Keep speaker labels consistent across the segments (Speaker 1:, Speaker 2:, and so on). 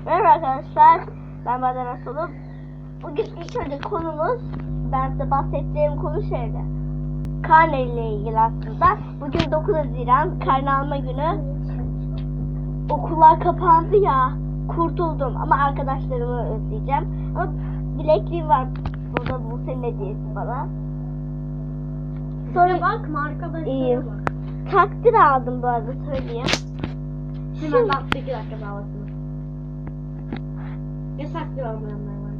Speaker 1: Merhaba arkadaşlar, ben Baden Asolum. Bugün ilk önce konumuz, ben size bahsettiğim konu şeydi. Karne ile ilgili aslında. Bugün 9 Haziran, karne alma günü. Okullar kapandı ya, kurtuldum ama arkadaşlarımı özleyeceğim. Ama bilekliğim var, burada bu senin hediyesi bana.
Speaker 2: Sonra bakma arkadaşlara bak.
Speaker 1: Takdir aldım bu arada, söyleyeyim.
Speaker 2: Hemen bak 2 dakika daha bakma. Yasaklı olmayanlar var.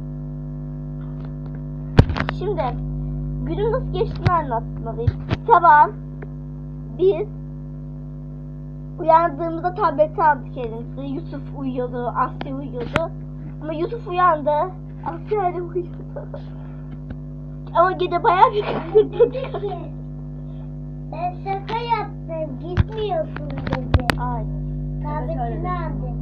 Speaker 1: Şimdi günüm nasıl geçtiğini anlatmalıyım. Sabah biz uyandığımızda tableti aldık elimize. Yusuf uyuyordu, Asya uyuyordu. Ama Yusuf uyandı, Asya ile uyuyordu. Ama gece bayağı bir kıkırdadık.
Speaker 3: Ben şaka yaptım. Gitmiyorsun dedi.
Speaker 1: Ay.
Speaker 3: Tabletini al dedi.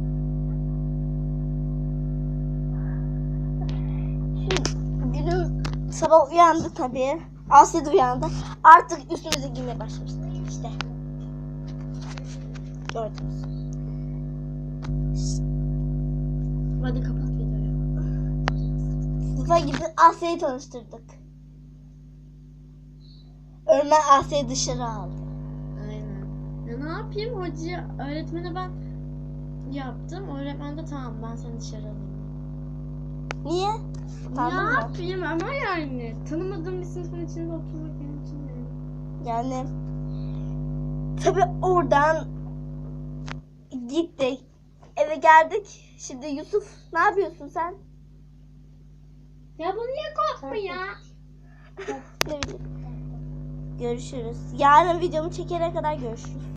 Speaker 1: Şimdi günüm sabah uyandı tabii. Asya da uyandı. Artık üstümüze giymeye başlamıştık işte. Gördünüz.
Speaker 2: Hadi kapat videoyu.
Speaker 1: Sınıfa gidip Asya'yı tanıştırdık. Ömer Asya'yı dışarı aldı.
Speaker 2: Aynen. Ya ne yapayım hocaya, öğretmene ben yaptım. Öğretmen de tamam ben seni dışarı alayım.
Speaker 1: Niye?
Speaker 2: Ne
Speaker 1: Utandın mı?
Speaker 2: yapayım ama yani. Tanımadığım bir sınıfın içinde oturmak benim için yani.
Speaker 1: Yani tabii oradan gittik. Eve geldik. Şimdi Yusuf ne yapıyorsun sen?
Speaker 2: Ya bu niye korkma ya?
Speaker 1: Ne bileyim. Görüşürüz. Yarın videomu çekene kadar görüşürüz.